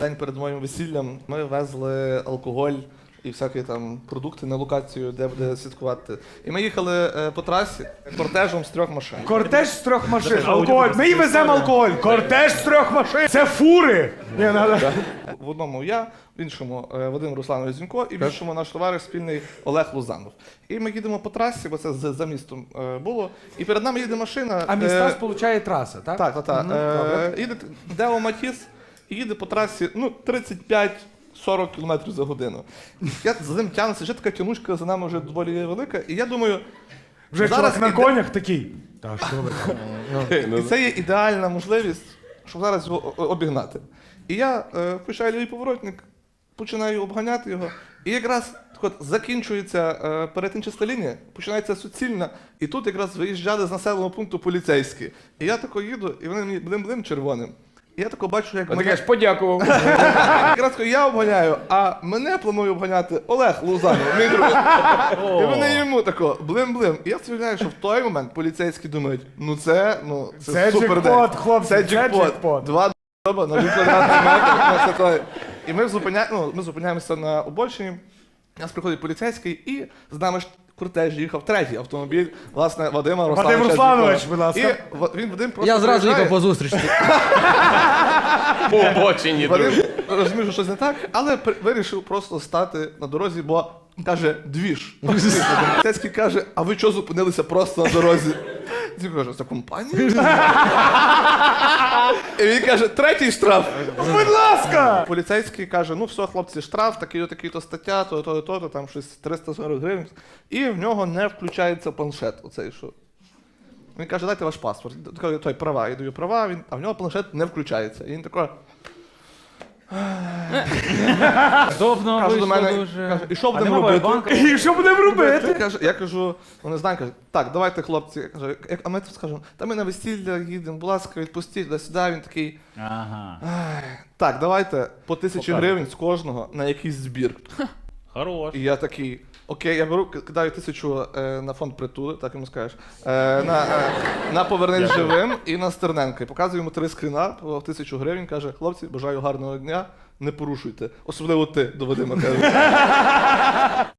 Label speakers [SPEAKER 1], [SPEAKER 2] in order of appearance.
[SPEAKER 1] День перед моїм весіллям ми везли алкоголь і всякі там продукти на локацію, де буде святкувати. І ми їхали по трасі кортежем з 3 машин.
[SPEAKER 2] Кортеж з 3 машин. Алкоголь. Ми і веземо алкоголь. Кортеж з 3 машин. Це фури.
[SPEAKER 1] В одному я, в іншому Вадим Русланович Зінько і в іншому наш товариш спільний Олег Лузанов. І ми їдемо по трасі, бо це за містом було. І перед нами їде машина.
[SPEAKER 2] А міста сполучає траса, так?
[SPEAKER 1] Так. Їде Део Матіс і їде по трасі 35-40 км за годину. Я за ним тягнуся, вже така тянучка за нами вже доволі велика. І я думаю,
[SPEAKER 2] Вже
[SPEAKER 1] зараз
[SPEAKER 2] чувак на конях такий. Так, що ви?
[SPEAKER 1] і це є ідеальна можливість, щоб зараз його обігнати. І я включаю лівий поворотник, починаю обганяти його, і якраз от закінчується перетинчаста лінія, починається суцільна, і тут якраз виїжджали з населеного пункту поліцейські. І я тако їду, і вони мені блим-блим червоним. І я тако бачу, як
[SPEAKER 2] Ти кажеш, подякував.
[SPEAKER 1] якраз я обганяю, а мене планує обганяти Олег Лузанов, мій друг. І вони йому тако блим-блим. І я вспоминаю, що в той момент поліцейські думають, це супер
[SPEAKER 2] джекпот,
[SPEAKER 1] день.
[SPEAKER 2] хлопці,
[SPEAKER 1] Це
[SPEAKER 2] це
[SPEAKER 1] джекпот.
[SPEAKER 2] джекпот.
[SPEAKER 1] 2 доба на 1 квадратний метр. І ми зупиняємося на обочині. У нас приходить поліцейський, і з нами ж кортеж їхав третій автомобіль, власне, Вадима Руслановича.
[SPEAKER 2] Вадим Русланович,
[SPEAKER 1] Зінько.
[SPEAKER 2] будь ласка.
[SPEAKER 1] І він Вадим просто
[SPEAKER 3] Я зразу
[SPEAKER 1] приїжджає.
[SPEAKER 3] їхав по зустрічці.
[SPEAKER 4] По обочині,
[SPEAKER 1] Вадим
[SPEAKER 4] друже.
[SPEAKER 1] розумів, що щось не так, але вирішив просто стати на дорозі, бо каже, двіж. Поліцейський каже, а ви чого зупинилися просто на дорозі? Він каже, це компанія? І він каже, 3-й штраф.
[SPEAKER 2] Будь ласка!
[SPEAKER 1] Поліцейський каже, ну все, хлопці, штраф, такий-то стаття, то, там щось 340 гривень. І в нього не включається планшет, оцей що. Він каже, дайте ваш паспорт. Той права, я даю права, а в нього планшет не включається. І він такий,
[SPEAKER 3] Добно
[SPEAKER 1] каже до
[SPEAKER 3] вийшло
[SPEAKER 1] мене,
[SPEAKER 3] дуже.
[SPEAKER 1] каже, і що
[SPEAKER 3] А
[SPEAKER 1] будемо
[SPEAKER 3] нема
[SPEAKER 1] робити?
[SPEAKER 3] банка?
[SPEAKER 2] І що будемо робити?
[SPEAKER 1] Я кажу, вони знають, кажуть, так, давайте, хлопці. Каже, а ми тут скажемо, та ми на весілля їдемо, будь ласка, відпустіть туди-сюди. Він такий,
[SPEAKER 3] Ага.
[SPEAKER 1] так, давайте по 1000 гривень з кожного на якийсь збір.
[SPEAKER 4] Хорош.
[SPEAKER 1] І я такий, окей, я беру, кидаю 1000 на фонд притули, так йому скажеш, на Повернись живим і на Стерненка. І показую йому 3 скріна по 1000 гривень, каже, хлопці, бажаю гарного дня, не порушуйте. Особливо ти, до Вадима, каже.